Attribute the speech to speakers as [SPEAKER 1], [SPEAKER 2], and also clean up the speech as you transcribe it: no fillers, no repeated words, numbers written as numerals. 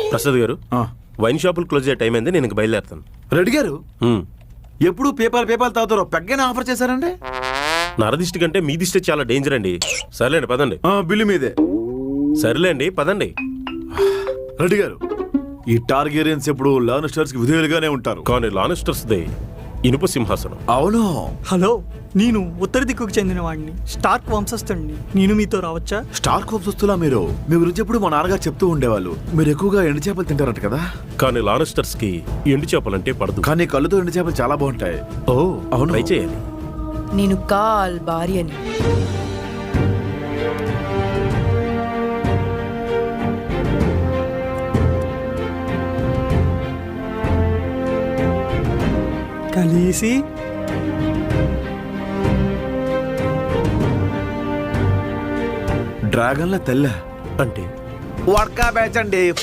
[SPEAKER 1] ప్రసాద్ గారు, వైన్ షాపులు క్లోజ్ అయ్యే టైం అయింది, నేను ఇంక బయలుదేరుతాను.
[SPEAKER 2] రెడ్డి గారు, ఎప్పుడు పేపాలు తాగుతారో పెగ్గనే ఆఫర్ చేశారండి.
[SPEAKER 1] నరదిష్టి కంటే మీ దిష్టి చాలా డేంజర్ అండి. సర్లేండి పదండి.
[SPEAKER 2] బిల్లు మీదే.
[SPEAKER 1] సర్లేండి పదండి.
[SPEAKER 2] రెడ్డి గారు, ఈ టార్గెరియన్స్ ఎప్పుడు లానస్టర్స్ కి విధేయులుగానే ఉంటారు.
[SPEAKER 1] కానీ లానెస్టర్స్ దే ఇనుప సింహాసనం.
[SPEAKER 2] అవును.
[SPEAKER 3] హలో, నేను ఉత్తర దిక్కుకు చెందిన వాడిని, స్టార్క్ వంశస్థుడిని. నేను మీతో రావచ్చా?
[SPEAKER 2] స్టార్ కోప్స్ వస్తులా మీరు? మీ గురించి ఎప్పుడు మా నాన్నగారు చెప్తూ ఉండేవాళ్ళు. మీరు ఎక్కువగా ఎండు చేపలు తింటారట కదా.
[SPEAKER 1] కానీ లానెస్టర్స్ కి ఎండు చేపలంటే పడదు.
[SPEAKER 2] కానీ కళ్ళుతో ఎండు చేపలు చాలా బాగుంటాయి.
[SPEAKER 1] ఓ
[SPEAKER 2] అవును.
[SPEAKER 1] ట్రై చేయాలి.
[SPEAKER 4] నేను కాల్ భార్యని.
[SPEAKER 3] కలిసి
[SPEAKER 2] డ్రాగన్ల తెల్ల
[SPEAKER 1] అంటే
[SPEAKER 2] వడ్కా బ్యాచ్ అండి.